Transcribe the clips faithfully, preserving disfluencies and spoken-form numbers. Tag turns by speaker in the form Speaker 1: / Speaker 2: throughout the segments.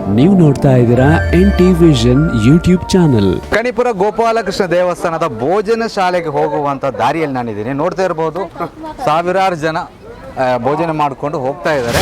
Speaker 1: ನೀವು ನೋಡ್ತಾ ಇದ್ದೀರಾ N T vision YouTube channel.
Speaker 2: Kanipura Gopalakrishna ದೇವಸ್ಥಾನದ ಭೋಜನ ಶಾಲೆಗೆ ಹೋಗುವಂತ ದಾರಿಯಲ್ಲಿ ನಾನಿದ್ದೀನಿ. ನೋಡ್ತಾ ಇರಬಹುದು ಸಾವಿರಾರು ಜನ ಭೋಜನ ಮಾಡಿಕೊಂಡು ಹೋಗ್ತಾ ಇದ್ದಾರೆ.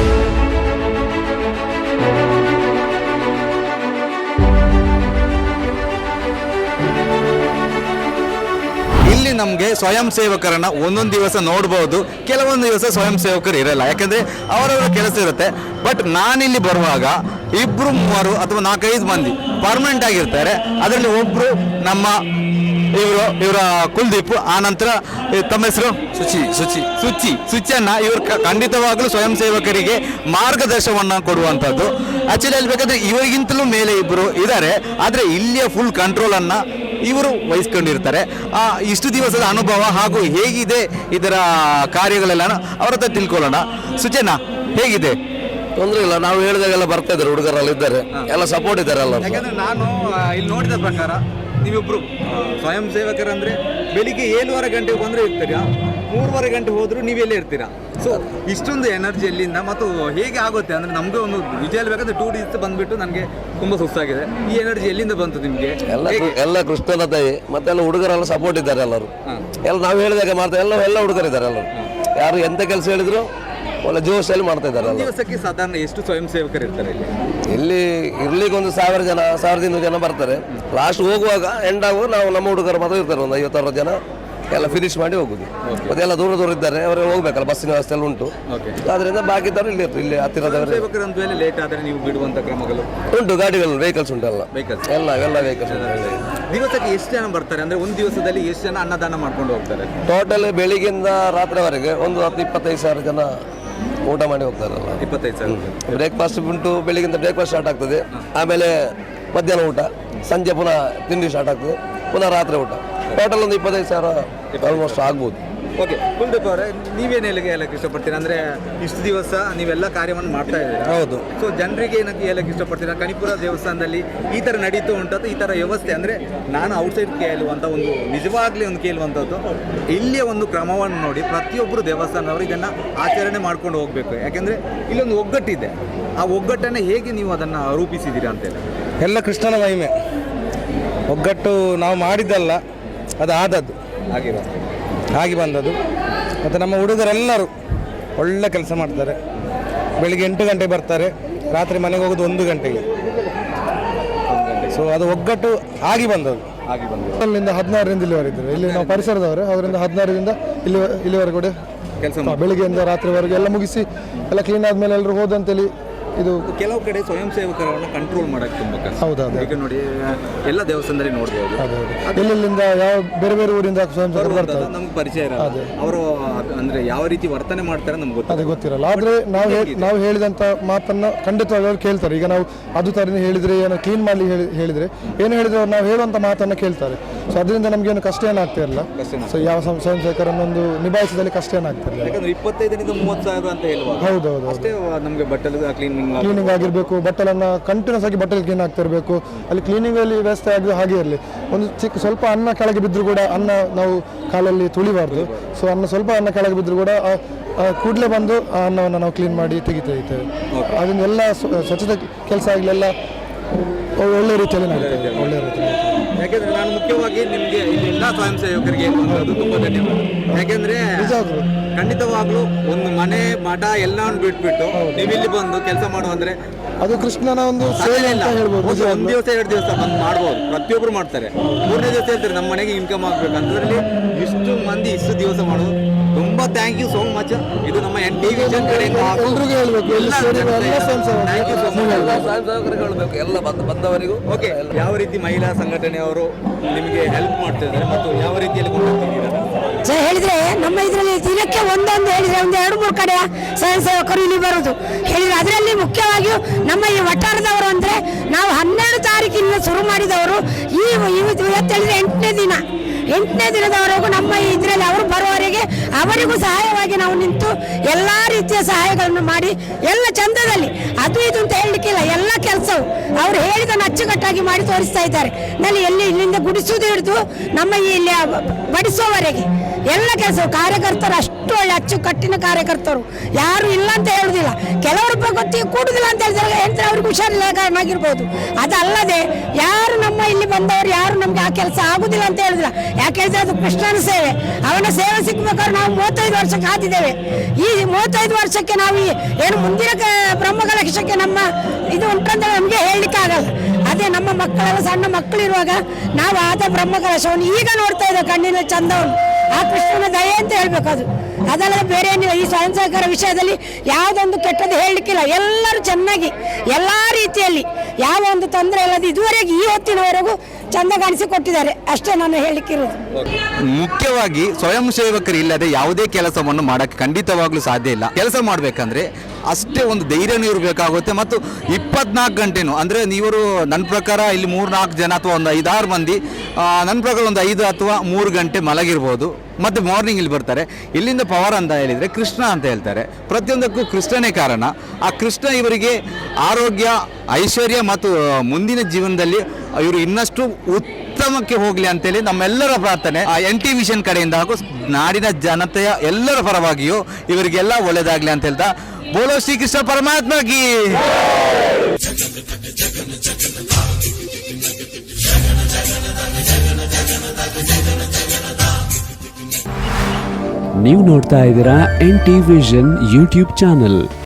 Speaker 2: ಇಲ್ಲಿ ನಮಗೆ ಸ್ವಯಂ ಸೇವಕರನ್ನ ಒಂದೊಂದು ದಿವಸ ನೋಡ್ಬೋದು, ಕೆಲವೊಂದು ದಿವಸ ಸ್ವಯಂ ಸೇವಕರು ಇರಲ್ಲ, ಯಾಕಂದ್ರೆ ಅವರವರ ಕೆಲಸ ಇರುತ್ತೆ. ಬಟ್ ನಾನಿಲ್ಲಿ ಬರುವಾಗ ಇಬ್ರು ಮೂವರು ಅಥವಾ ನಾಲ್ಕೈದು ಮಂದಿ ಪರ್ಮನೆಂಟ್ ಆಗಿರ್ತಾರೆ. ಅದರಲ್ಲಿ ಒಬ್ರು ನಮ್ಮ ಇವರು ಇವರ ಕುಲ್ದೀಪ್, ಆ ನಂತರ ತಮ್ಮ ಹೆಸರು ಸುಚಿ ಸುಚಿ ಸುಚಿ ಸುಚಿಯನ್ನ ಇವರು ಖಂಡಿತವಾಗ್ಲೂ ಸ್ವಯಂ ಸೇವಕರಿಗೆ ಮಾರ್ಗದರ್ಶನವನ್ನ ಕೊಡುವಂಥದ್ದು. ಆಕ್ಚುಲಿ ಹೇಳ್ಬೇಕಾದ್ರೆ ಇವರಿಗಿಂತಲೂ ಮೇಲೆ ಇಬ್ಬರು ಇದ್ದಾರೆ, ಆದರೆ ಇಲ್ಲಿಯ ಫುಲ್ ಕಂಟ್ರೋಲ್ ಅನ್ನ ಇವರು ವಹಿಸ್ಕೊಂಡಿರ್ತಾರೆ. ಆ ಇಷ್ಟು ದಿವಸದ ಅನುಭವ ಹಾಗೂ ಹೇಗಿದೆ ಇದರ ಕಾರ್ಯಗಳೆಲ್ಲ ಅವ್ರ ಹತ್ರ ತಿಳ್ಕೊಳ್ಳೋಣ. ಸುಚೇನ ಹೇಗಿದೆ?
Speaker 3: ತೊಂದರೆ ಇಲ್ಲ, ನಾವು ಹೇಳಿದಾಗೆಲ್ಲ ಬರ್ತಾ ಇದ್ದಾರೆ, ಹುಡುಗರೆಲ್ಲ ಇದ್ದಾರೆ, ಎಲ್ಲ ಸಪೋರ್ಟ್ ಇದ್ದಾರೆ ಎಲ್ಲ.
Speaker 2: ಯಾಕಂದ್ರೆ ನಾನು ಇಲ್ಲಿ ನೋಡಿದ ಪ್ರಕಾರ ನೀವಿಬ್ರು ಸ್ವಯಂ ಸೇವಕರಂದ್ರೆ ಬೆಳಿಗ್ಗೆ ಏಳುವರೆ ಗಂಟೆಗೆ ಬಂದ್ರೆ ಇರ್ತೀರಾ, ಮೂರುವರೆ ಗಂಟೆ ಹೋದ್ರು ನೀವೆಲ್ಲೇ ಇರ್ತೀರಾ. ಸೊ ಇಷ್ಟೊಂದು ಎನರ್ಜಿ ಎಲ್ಲಿಂದ ಮತ್ತು ಹೇಗೆ ಆಗುತ್ತೆ ಅಂದ್ರೆ ನಮ್ಗೆ ಒಂದು ವಿಜಯ ಹೇಳ್ಬೇಕಂದ್ರೆ ಟೂ ಡೇಸ್ ಬಂದ್ಬಿಟ್ಟು ನನಗೆ ತುಂಬಾ ಸುಸ್ತಾಗಿದೆ. ಈ ಎನರ್ಜಿ ಎಲ್ಲಿಂದ ಬಂತು ನಿಮ್ಗೆ?
Speaker 3: ಎಲ್ಲ ಎಲ್ಲ ಕೃಷ್ಣನ ತಾಯಿ ಮತ್ತೆ ಎಲ್ಲ ಹುಡುಗರೆಲ್ಲ ಸಪೋರ್ಟ್ ಇದ್ದಾರೆ ಎಲ್ಲರೂ. ಎಲ್ಲ ನಾವು ಹೇಳಿದಾಗ ಮಾಡ್ತಾರೆ, ಎಲ್ಲ ಎಲ್ಲ ಹುಡುಗರಿದ್ದಾರೆ ಎಲ್ಲರೂ. ಯಾರು ಎಂತ ಕೆಲಸ ಹೇಳಿದ್ರು ಒಳ್ಳೆ ಜೋಶಲ್ಲಿ ಮಾಡ್ತಾ ಇದ್ದಾರೆ.
Speaker 2: ದಿವಸಕ್ಕೆ ಸಾಧಾರಣ ಎಷ್ಟು ಸ್ವಯಂ ಸೇವಕರು ಇರ್ತಾರೆ ಇಲ್ಲಿ?
Speaker 3: ಇಲ್ಲಿ ಇರ್ಲಿಕ್ಕೆ ಒಂದು ಸಾವಿರ ಜನ ಸಾವಿರದ ಇನ್ನೂರು ಜನ ಬರ್ತಾರೆ. ಲಾಸ್ಟ್ ಹೋಗುವಾಗ ಎಂಡ್ ಆಗುವಾಗ ನಾವು ನಮ್ಮ ಹುಡುಗರು ಮಾತ್ರ ಇರ್ತಾರೆ, ಒಂದು ಐವತ್ತಾರು ಜನ ಎಲ್ಲ ಫಿನಿಶ್ ಮಾಡಿ ಹೋಗುದು. ಮತ್ತೆ ಎಲ್ಲ ದೂರ ದೂರ ಇದ್ದಾರೆ, ಅವರು ಹೋಗ್ಬೇಕಲ್ಲ, ಬಸ್ಸಿನ ವ್ಯವಸ್ಥೆ ಎಲ್ಲ ಉಂಟು. ಅದರಿಂದ ಬಾಕಿ ಇದ್ದವರು ಇಲ್ಲಿ ಇರ್ತಾರೆ, ಇಲ್ಲಿ ಹತ್ತಿರದವರು.
Speaker 2: ಲೇಟ್ ಆದರೆ ನೀವು ಬಿಡುವಂತ ಕ್ರಮಗಳು
Speaker 3: ಉಂಟು, ಗಾಡಿಗಳು ವೆಹಿಕಲ್ಸ್ ಉಂಟು, ಎಲ್ಲ ಎಲ್ಲ ಎಲ್ಲ ವೆಹಿಕಲ್ಸ್.
Speaker 2: ದಿವಸಕ್ಕೆ ಎಷ್ಟು ಜನ ಬರ್ತಾರೆ ಅಂದ್ರೆ ಒಂದು ದಿವಸದಲ್ಲಿ ಎಷ್ಟು ಜನ ಅನ್ನದಾನ ಮಾಡ್ಕೊಂಡು ಹೋಗ್ತಾರೆ?
Speaker 3: ಟೋಟಲ್ ಬೆಳಿಗ್ಗೆಯಿಂದ ರಾತ್ರಿವರೆಗೆ ಒಂದು ಹತ್ತು ಇಪ್ಪತ್ತೈದು ಸಾವಿರ ಜನ ಊಟ ಮಾಡಿ ಹೋಗ್ತಾರಲ್ಲ.
Speaker 2: ಇಪ್ಪತ್ತೈದು ಸಾವಿರ
Speaker 3: ಬ್ರೇಕ್ಫಾಸ್ಟ್ ಉಂಟು, ಬೆಳಿಗ್ಗೆಯಿಂದ ಬ್ರೇಕ್ಫಾಸ್ಟ್ ಸ್ಟಾರ್ಟ್ ಆಗ್ತದೆ, ಆಮೇಲೆ ಮಧ್ಯಾಹ್ನ ಊಟ, ಸಂಜೆ ಪುನಃ ತಿಂಡಿ ಸ್ಟಾರ್ಟ್ ಆಗ್ತದೆ, ಪುನಃ ರಾತ್ರಿ ಊಟ. ಟೋಟಲ್ ಒಂದು ಇಪ್ಪತ್ತೈದು ಸಾವಿರ ಆಲ್ಮೋಸ್ಟ್ ಆಗ್ಬೋದು.
Speaker 2: ಓಕೆ, ಕುಲ್ದೀಪ್ ಅವರೇ, ನೀವೇನು ಹೇಳಕ್ಕೆ ಹೇಳಕ್ಕೆ ಇಷ್ಟಪಡ್ತೀರಾ? ಅಂದರೆ ಇಷ್ಟು ದಿವಸ ನೀವೆಲ್ಲ ಕಾರ್ಯವನ್ನು ಮಾಡ್ತಾ ಇದ್ದೀರಾ.
Speaker 3: ಹೌದು.
Speaker 2: ಸೊ ಜನರಿಗೆ ಏನಕ್ಕೆ ಹೇಳಕ್ಕೆ ಇಷ್ಟಪಡ್ತೀರಾ? ಕಣಿಪುರ ದೇವಸ್ಥಾನದಲ್ಲಿ ಈ ಥರ ನಡೀತು ಉಂಟದ್ದು, ಈ ಥರ ವ್ಯವಸ್ಥೆ ಅಂದರೆ ನಾನು ಔಟ್ಸೈಡ್ ಕೇಳುವಂಥ ಒಂದು ನಿಜವಾಗ್ಲೇ ಒಂದು ಕೇಳುವಂಥದ್ದು, ಇಲ್ಲಿಯ ಒಂದು ಕ್ರಮವನ್ನು ನೋಡಿ ಪ್ರತಿಯೊಬ್ಬರು ದೇವಸ್ಥಾನದವರು ಇದನ್ನು ಆಚರಣೆ ಮಾಡ್ಕೊಂಡು ಹೋಗಬೇಕು. ಯಾಕೆಂದರೆ ಇಲ್ಲೊಂದು ಒಗ್ಗಟ್ಟಿದೆ. ಆ ಒಗ್ಗಟ್ಟನ್ನು ಹೇಗೆ ನೀವು ಅದನ್ನು ರೂಪಿಸಿದ್ದೀರಾ ಅಂತೇಳಿ?
Speaker 4: ಎಲ್ಲ ಕೃಷ್ಣನ ಮಹಿಮೆ. ಒಗ್ಗಟ್ಟು ನಾವು ಮಾಡಿದ್ದಲ್ಲ, ಅದು ಆದದ್ದು,
Speaker 2: ಆಗಿರೋ
Speaker 4: ಆಗಿ ಬಂದದ್ದು. ಮತ್ತು ನಮ್ಮ ಹುಡುಗರೆಲ್ಲರೂ ಒಳ್ಳೆ ಕೆಲಸ ಮಾಡ್ತಾರೆ. ಬೆಳಿಗ್ಗೆ ಎಂಟು ಗಂಟೆಗೆ ಬರ್ತಾರೆ, ರಾತ್ರಿ ಮನೆಗೆ ಹೋಗೋದು ಒಂದು ಗಂಟೆಗೆ. ಸೊ ಅದು ಒಗ್ಗಟ್ಟು ಆಗಿ ಬಂದದ್ದು.
Speaker 2: ಆಗಿ ಬಂದದ್ದು
Speaker 5: ಅಲ್ಲಿಂದ ಹದಿನಾರರಿಂದ ಇಲ್ಲಿವರೆಗಿದ್ದಾರೆ. ಇಲ್ಲಿ ನಾವು ಪರಿಸರದವರು, ಅವರಿಂದ ಹದಿನಾರರಿಂದ ಇಲ್ಲಿ ಇಲ್ಲಿವರೆಗೂ ಕೂಡ
Speaker 2: ಕೆಲಸ
Speaker 5: ಬೆಳಿಗ್ಗೆಯಿಂದ ರಾತ್ರಿವರೆಗೆ ಎಲ್ಲ ಮುಗಿಸಿ ಎಲ್ಲ ಕ್ಲೀನ್ ಆದಮೇಲೆ ಎಲ್ಲರೂ ಹೋದಂತೇಳಿ. ಇದು
Speaker 2: ಕೆಲವು ಕಡೆ ಸ್ವಯಂ ಸೇವಕರನ್ನು ಕಂಟ್ರೋಲ್ ಮಾಡೋಕ್ಕೆ ತುಂಬ ಕಷ್ಟ.
Speaker 5: ಹೌದೌದು.
Speaker 2: ಈಗ ನೋಡಿ ಎಲ್ಲ ದೇವಸ್ಥಾನದಲ್ಲಿ ನೋಡ್ಬೋದು,
Speaker 5: ಎಲ್ಲೆಲ್ಲಿಂದ ಯಾವ ಬೇರೆ ಬೇರೆ ಊರಿಂದ ಸ್ವಯಂ ಸೇವಕರು ಬರ್ತಾರೆ,
Speaker 2: ನಮ್ಗೆ ಪರಿಚಯ ಇರಲ್ಲ. ಅವರು ಅಂದ್ರೆ ಯಾವ ರೀತಿ ವರ್ತನೆ ಮಾಡ್ತಾರೆ ನಮ್ಗೆ
Speaker 5: ಅದೇ ಗೊತ್ತಿರಲ್ಲ. ಆದ್ರೆ ನಾವು ನಾವು ಹೇಳಿದಂತ ಮಾತನ್ನ ಖಂಡಿತವಾಗಿ ಅವ್ರು ಕೇಳ್ತಾರೆ. ಈಗ ನಾವು ಅದು ತರ ಹೇಳಿದ್ರೆ, ಏನೋ ಕ್ಲೀನ್ ಮಾಡ್ಲಿ ಹೇಳಿದ್ರೆ ಏನು ಹೇಳಿದ್ರೆ ಅವ್ರು ನಾವು ಹೇಳುವಂತ ಮಾತನ್ನ ಕೇಳ್ತಾರೆ. ಸೊ ಅದರಿಂದ ನಮ್ಗೇನು ಕಷ್ಟ ಏನಾಗ್ತಾ ಇರಲ್ಲ. ಸೊ ಯಾವ ಸ್ವಯಂ ಸೇವಕರನ್ನೊಂದು ನಿಭಾಯಿಸಿದಲ್ಲಿ ಕಷ್ಟ ಏನಾಗ್ತಾ ಇಲ್ಲ.
Speaker 2: ಯಾಕಂದ್ರೆ ಇಪ್ಪತ್ತೈದರಿಂದ ಮೂವತ್ತು ಸಾವಿರ ಅಂತ ಹೇಳುವ
Speaker 5: ಹೌದೌದು
Speaker 2: ಅಷ್ಟೇ ನಮಗೆ ಬಟ್ಟಲು ಕ್ಲೀನಿಂಗ್
Speaker 5: ಕ್ಲೀನಿಂಗ್ ಆಗಿರಬೇಕು, ಬಟ್ಟಲನ್ನು ಕಂಟಿನ್ಯೂಸ್ ಆಗಿ ಬಟ್ಟಲು ಕ್ಲೀನ್ ಆಗ್ತಿರ್ಬೇಕು. ಅಲ್ಲಿ ಕ್ಲೀನಿಂಗಲ್ಲಿ ವ್ಯವಸ್ಥೆ ಆಗಿ ಹಾಗೆ ಇರಲಿ. ಒಂದು ಚಿಕ್ಕ ಸ್ವಲ್ಪ ಅನ್ನ ಕೆಳಗೆ ಬಿದ್ದರೂ ಕೂಡ ಅನ್ನ ನಾವು ಕಾಲಲ್ಲಿ ತುಳಿಬಾರ್ದು. ಸೊ ಅನ್ನ ಸ್ವಲ್ಪ ಅನ್ನ ಕೆಳಗೆ ಬಿದ್ದರೂ ಕೂಡ ಕೂಡಲೇ ಬಂದು ಆ ಅನ್ನವನ್ನು ನಾವು ಕ್ಲೀನ್ ಮಾಡಿ ತೆಗಿತಾ ಇರ್ತೇವೆ. ಅದರಿಂದ ಎಲ್ಲ ಸ್ವಚ್ಛತೆ ಕೆಲಸ ಆಗಲಿ ಎಲ್ಲ ಒಳ್ಳೆ ರೀತಿಯಲ್ಲಿ ನಡೀತದೆ, ಒಳ್ಳೆ ರೀತಿಯಲ್ಲಿ.
Speaker 2: ಯಾಕೆಂದ್ರೆ ನಾನು ಮುಖ್ಯವಾಗಿ ನಿಮಗೆ ಇಲ್ಲಿ ಎಲ್ಲ ಸ್ವಯಂ ಸೇವಕರಿಗೆ ಹೇಳುವಂಥದ್ದು ತುಂಬ ಧನ್ಯವಾದ. ಯಾಕೆಂದ್ರೆ ಖಂಡಿತವಾಗ್ಲೂ ಒಂದು ಮನೆ ಮಠ ಎಲ್ಲವನ್ನು ಬಿಟ್ಬಿಟ್ಟು ನೀವು ಇಲ್ಲಿ ಬಂದು ಕೆಲಸ ಮಾಡುವಂದ್ರೆ
Speaker 5: ಅದು ಕೃಷ್ಣನ ಒಂದು ಸೇವೆ ಅಂತ ಹೇಳ್ಬೋದು.
Speaker 2: ಒಂದು ದಿವಸ ಎರಡು ದಿವಸ ಬಂದು ಮಾಡ್ಬೋದು, ಪ್ರತಿಯೊಬ್ಬರು ಮಾಡ್ತಾರೆ. ಮೂರನೇ ದಿವಸ ಹೇಳ್ತಾರೆ ನಮ್ಮ ಮನೆಗೆ ಇನ್ಕಮ್ ಆಗ್ಬೇಕು. ಅಂತದ್ರಲ್ಲಿ ಇಷ್ಟು ಮಂದಿ ಇಷ್ಟು ದಿವಸ ಮಾಡೋದು ತುಂಬಾ ಥ್ಯಾಂಕ್ ಯು ಸೋ ಮಚ್. ಇದು ನಮ್ಮ ಎನ್ ಟಿ ವಿಷನ್ ಕಡೆಯಿಂದ
Speaker 5: ಎಲ್ರಿಗೂ ಹೇಳ್ಬೇಕು,
Speaker 3: ಹೇಳ್ಬೇಕು ಎಲ್ಲ ಬಂದವರಿಗೂ.
Speaker 2: ಓಕೆ, ಯಾವ ರೀತಿ ಮಹಿಳಾ ಸಂಘಟನೆಯವರು ನಿಮಗೆ ಹೆಲ್ಪ್ ಮಾಡ್ತಿದ್ದಾರೆ ಮತ್ತು ಯಾವ ರೀತಿಯಲ್ಲಿ ಕೊಂಡೋಗ್ತಿದ್ದೀರಾ?
Speaker 6: ಸರ್ ಹೇಳಿದ್ರೆ ನಮ್ಮ ಇದರಲ್ಲಿ ದಿನಕ್ಕೆ ಒಂದೊಂದು ಹೇಳಿದ್ರೆ ಒಂದು ಎರಡು ಮೂರು ಕಡೆ ಸ್ವಯಂ ಸೇವಕರು ಇಲ್ಲಿ ಬರುವುದು ಹೇಳಿದ್ರೆ, ಅದರಲ್ಲಿ ಮುಖ್ಯವಾಗಿಯೂ ನಮ್ಮ ಈ ವಠಾರದವರು ಅಂದ್ರೆ ನಾವು ಹನ್ನೆರಡು ತಾರೀಕಿನಿಂದ ಶುರು ಮಾಡಿದವರು ಈ ಇವತ್ತು ಹೇಳಿದ್ರೆ ಎಂಟನೇ ದಿನ ಎಂಟನೇ ದಿನದವರೆಗೂ ನಮ್ಮ ಇದರಲ್ಲಿ ಅವರು ಬರುವವರೆಗೆ ಅವರಿಗೂ ಸಹಾಯವಾಗಿ ನಾವು ನಿಂತು ಎಲ್ಲ ರೀತಿಯ ಸಹಾಯಗಳನ್ನು ಮಾಡಿ ಎಲ್ಲ ಚಂದದಲ್ಲಿ ಅದು ಇದು ಅಂತ ಹೇಳಲಿಕ್ಕಿಲ್ಲ, ಎಲ್ಲ ಕೆಲಸವು ಅವರು ಹೇಳಿದನ್ನು ಅಚ್ಚುಕಟ್ಟಾಗಿ ಮಾಡಿ ತೋರಿಸ್ತಾ ಇದ್ದಾರೆ. ನಲ್ಲಿ ಎಲ್ಲಿ ಇಲ್ಲಿಂದ ಗುಡಿಸುವುದು ಹಿಡಿದು ನಮ್ಮ ಇಲ್ಲಿ ಬಡಿಸುವವರೆಗೆ ಎಲ್ಲ ಕೆಲಸ ಕಾರ್ಯಕರ್ತರು ಅಷ್ಟು ಒಳ್ಳೆ ಅಚ್ಚುಕಟ್ಟಿನ ಕಾರ್ಯಕರ್ತರು, ಯಾರು ಇಲ್ಲ ಅಂತ ಹೇಳುದಿಲ್ಲ. ಕೆಲವರು ಗೊತ್ತಿ ಕೂಡುದಿಲ್ಲ ಅಂತ ಹೇಳಿದಾಗ ಹೇಳ್ತಾರೆ ಅವ್ರಿಗೆ ಹುಷಾರಿಲ್ಲ ಕಾರಣ ಆಗಿರ್ಬೋದು. ಅದಲ್ಲದೆ ಯಾರು ನಮ್ಮ ಇಲ್ಲಿ ಬಂದವರು ಯಾರು ನಮ್ಗೆ ಆ ಕೆಲಸ ಆಗುದಿಲ್ಲ ಅಂತ ಹೇಳುದಿಲ್ಲ. ಯಾಕೆ ಹೇಳಿದ್ರೆ ಅದು ಕೃಷ್ಣನ ಸೇವೆ, ಅವನ ಸೇವೆ ಸಿಕ್ಬೇಕಾದ್ರೆ ನಾವು ಮೂವತ್ತೈದು ವರ್ಷ ಕಾದಿದ್ದೇವೆ. ಈ ಮೂವತ್ತೈದು ವರ್ಷಕ್ಕೆ ನಾವು ಈ ಏನು ಮುಂದಿನ ಬ್ರಹ್ಮಕಲಶಕ್ಕೆ ನಮ್ಮ ಇದು ಉಂಟಂತ ನಮಗೆ ಹೇಳಲಿಕ್ಕೆ ಆಗಲ್ಲ. ಅದೇ ನಮ್ಮ ಮಕ್ಕಳೆಲ್ಲ ಸಣ್ಣ ಮಕ್ಕಳಿರುವಾಗ ನಾವು ಆದ ಬ್ರಹ್ಮಕಲಶವನ್ನು ಈಗ ನೋಡ್ತಾ ಇದ್ದೇವೆ ಕಣ್ಣಿನ ಚಂದವನ್ನು. ಆ ಕೃಷ್ಣನ ದಯೆ ಅಂತ ಹೇಳ್ಬೇಕು ಅದು, ಅದಲ್ಲದೆ ಬೇರೆ ಏನಿಲ್ಲ. ಈ ಸ್ವಯಂ ಸಹಕಾರ ವಿಷಯದಲ್ಲಿ ಯಾವುದೊಂದು ಕೆಟ್ಟದ್ದು ಹೇಳಲಿಕ್ಕಿಲ್ಲ. ಎಲ್ಲರೂ ಚೆನ್ನಾಗಿ ಎಲ್ಲ ರೀತಿಯಲ್ಲಿ ಯಾವ ಒಂದು ತೊಂದರೆ ಇಲ್ಲದೆ ಇದುವರೆಗೆ ಈ ಹೊತ್ತಿನವರೆಗೂ ಚಂದ ಕಾಣಿಸಿಕೊಟ್ಟಿದ್ದಾರೆ. ಅಷ್ಟೇ ನಾನು ಹೇಳಲಿಕ್ಕಿರೋದು.
Speaker 2: ಮುಖ್ಯವಾಗಿ ಸ್ವಯಂ ಸೇವಕರು ಇಲ್ಲದೆ ಯಾವುದೇ ಕೆಲಸವನ್ನು ಮಾಡಕ್ಕೆ ಖಂಡಿತವಾಗ್ಲೂ ಸಾಧ್ಯ ಇಲ್ಲ. ಕೆಲಸ ಮಾಡಬೇಕಂದ್ರೆ ಅಷ್ಟೇ ಒಂದು ಧೈರ್ಯನೂ ಇರಬೇಕಾಗುತ್ತೆ. ಮತ್ತು ಇಪ್ಪತ್ನಾಲ್ಕು ಗಂಟೆನೂ ಅಂದರೆ ನೀವರು ನನ್ನ ಪ್ರಕಾರ ಇಲ್ಲಿ ಮೂರು ನಾಲ್ಕು ಜನ ಅಥವಾ ಒಂದು ಐದಾರು ಮಂದಿ ನನ್ನ ಪ್ರಕಾರ ಒಂದು ಐದು ಅಥವಾ ಮೂರು ಗಂಟೆ ಮಲಗಿರ್ಬೋದು. ಮತ್ತು ಮಾರ್ನಿಂಗ್ ಇಲ್ಲಿ ಬರ್ತಾರೆ. ಇಲ್ಲಿಂದ ಪವರ್ ಅಂತ ಹೇಳಿದರೆ ಕೃಷ್ಣ ಅಂತ ಹೇಳ್ತಾರೆ. ಪ್ರತಿಯೊಂದಕ್ಕೂ ಕೃಷ್ಣನೇ ಕಾರಣ. ಆ ಕೃಷ್ಣ ಇವರಿಗೆ ಆರೋಗ್ಯ, ಐಶ್ವರ್ಯ ಮತ್ತು ಮುಂದಿನ ಜೀವನದಲ್ಲಿ ಇವರು ಇನ್ನಷ್ಟು ಉತ್ತಮಕ್ಕೆ ಹೋಗಲಿ ಅಂತೇಳಿ ನಮ್ಮೆಲ್ಲರ ಪ್ರಾರ್ಥನೆ. ಆ ಎನ್ ಟಿ ವಿಷನ್ ಕಡೆಯಿಂದ ಹಾಗೂ ನಾಡಿನ ಜನತೆಯ ಎಲ್ಲರ ಪರವಾಗಿಯೂ ಇವರಿಗೆಲ್ಲ ಒಳ್ಳೆಯದಾಗಲಿ ಅಂತ ಹೇಳ್ತಾ ಬೋಲೋ ಶ್ರೀಕೃಷ್ಣ ಪರಮಾತ್ಮಗಿ.
Speaker 1: ನೀವು ನೋಡ್ತಾ ಇದ್ದೀರಾ N T vision YouTube channel.